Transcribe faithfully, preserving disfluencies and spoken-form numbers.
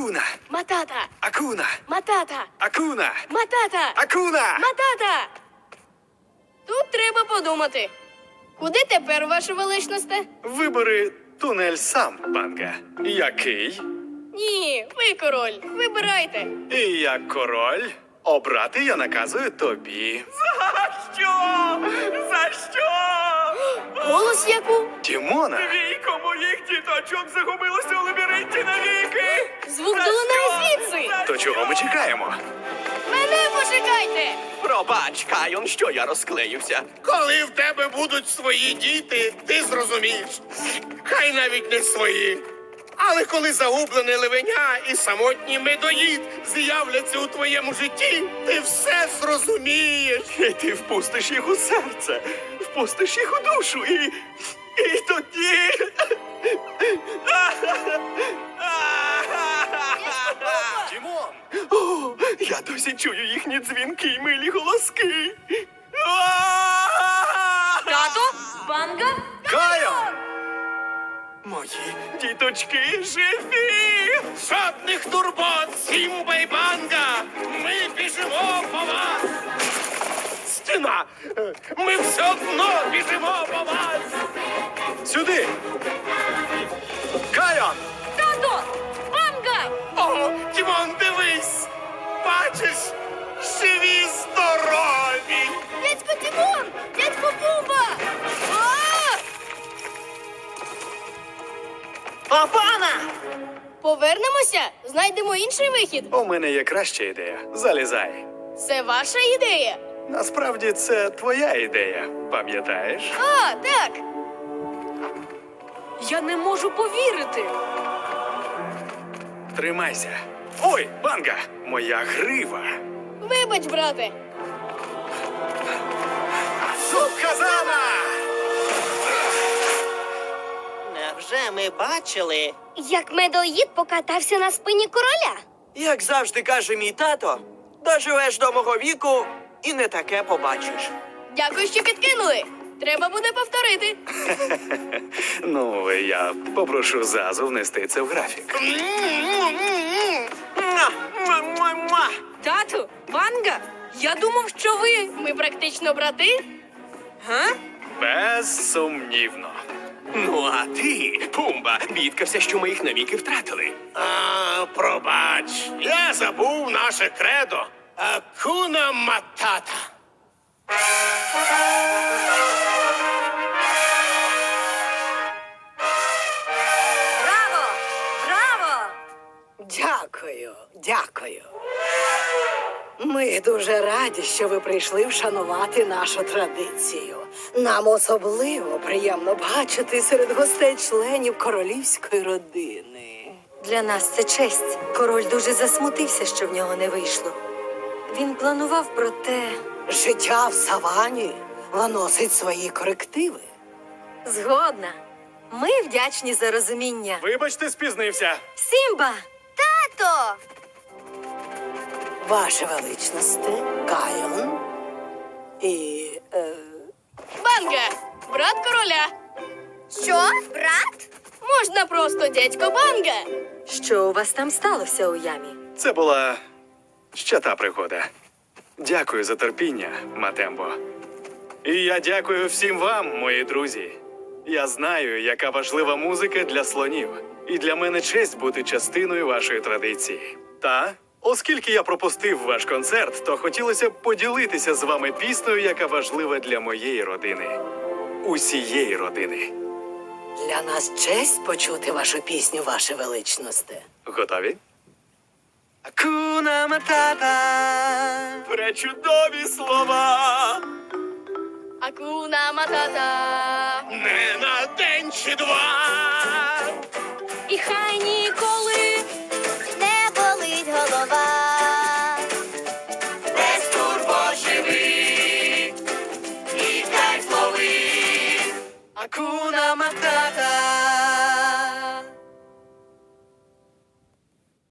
Акуна. Матата. Акуна. Матата. Акуна. Матата. Акуна. Матата. Тут треба подумати. Куди тепер, ваше величносте? Вибери тунель сам, Банга. Який? Ні, ви король. Вибирайте. І як король, обрати я наказую тобі. За що? За що? Голос яку? Тімона. Двійко моїх діточок загубилося у лабіринті навіки! Звук За долинає що? звідси. За То чого ми чекаємо? Мене почекайте. Пробач, Кайон, що я розклеївся. Коли в тебе будуть свої діти, ти зрозумієш. Хай навіть не свої. Але коли загублене левеня і самотній медоїд з'являться у твоєму житті, ти все зрозумієш. І ти впустиш їх у серце, впустиш їх у душу і. І тоді. Тімон! О, я досі чую їхні дзвінки й милі голоски. Тато? Банга? Кайон! Мої діточки живі! Жодних турбот, Сімба і Банга! Ми біжимо по вас! Стіна! Ми все одно біжимо по вас! Сюди! Кайон! Тато! Банга! О, Тімон, дивись! Бачиш, живі здорові! Дядько Тімон! Дядько Буба! А! Папана! Повернемося, знайдемо інший вихід. У мене є краща ідея. Залізай. Це ваша ідея. Насправді це твоя ідея, пам'ятаєш? А, так. Я не можу повірити. Тримайся. Ой, Банга! Моя грива! Вибач, брате. Сукказана! Невже ми бачили? Як медоїд покатався на спині короля. Як завжди каже мій тато, доживеш до мого віку і не таке побачиш. Дякую, що підкинули. Треба буде повторити. Ну, я попрошу Зазу внести це в графік. Муа! Муа-муа-муа! Тату, Банга, я думав, що ви. Ми практично брати. Га? Безсумнівно. Ну, а ти, Пумба, бідкався, що ми їх навіки втратили. А, пробач, я забув наше кредо. Акуна матата. Браво! Браво! Дякую, дякую. Ми дуже раді, що ви прийшли вшанувати нашу традицію. Нам особливо приємно бачити серед гостей членів королівської родини. Для нас це честь. Король дуже засмутився, що в нього не вийшло. Він планував, проте Життя в савані наносить свої корективи. згодна. Ми вдячні за розуміння. Вибачте, спізнився. Сімба! Тато! Ваше величносте, Кайон і... Е, Банга! Брат короля. Що? Брат? Можна просто дядько Банга. Що у вас там сталося у ямі? Це була ще та пригода. Дякую за терпіння, Матембо. І я дякую всім вам, мої друзі. Я знаю, яка важлива музика для слонів. І для мене честь бути частиною вашої традиції. Та, оскільки я пропустив ваш концерт, то хотілося б поділитися з вами піснею, яка важлива для моєї родини. Усієї родини. для нас честь почути вашу пісню, ваше величносте. Готові? Акуна матата! Пречудові слова! Акуна матата. Не на день чи два. І хай ніколи не болить голова. Без турбо живи. І кайф лови. Акуна матата!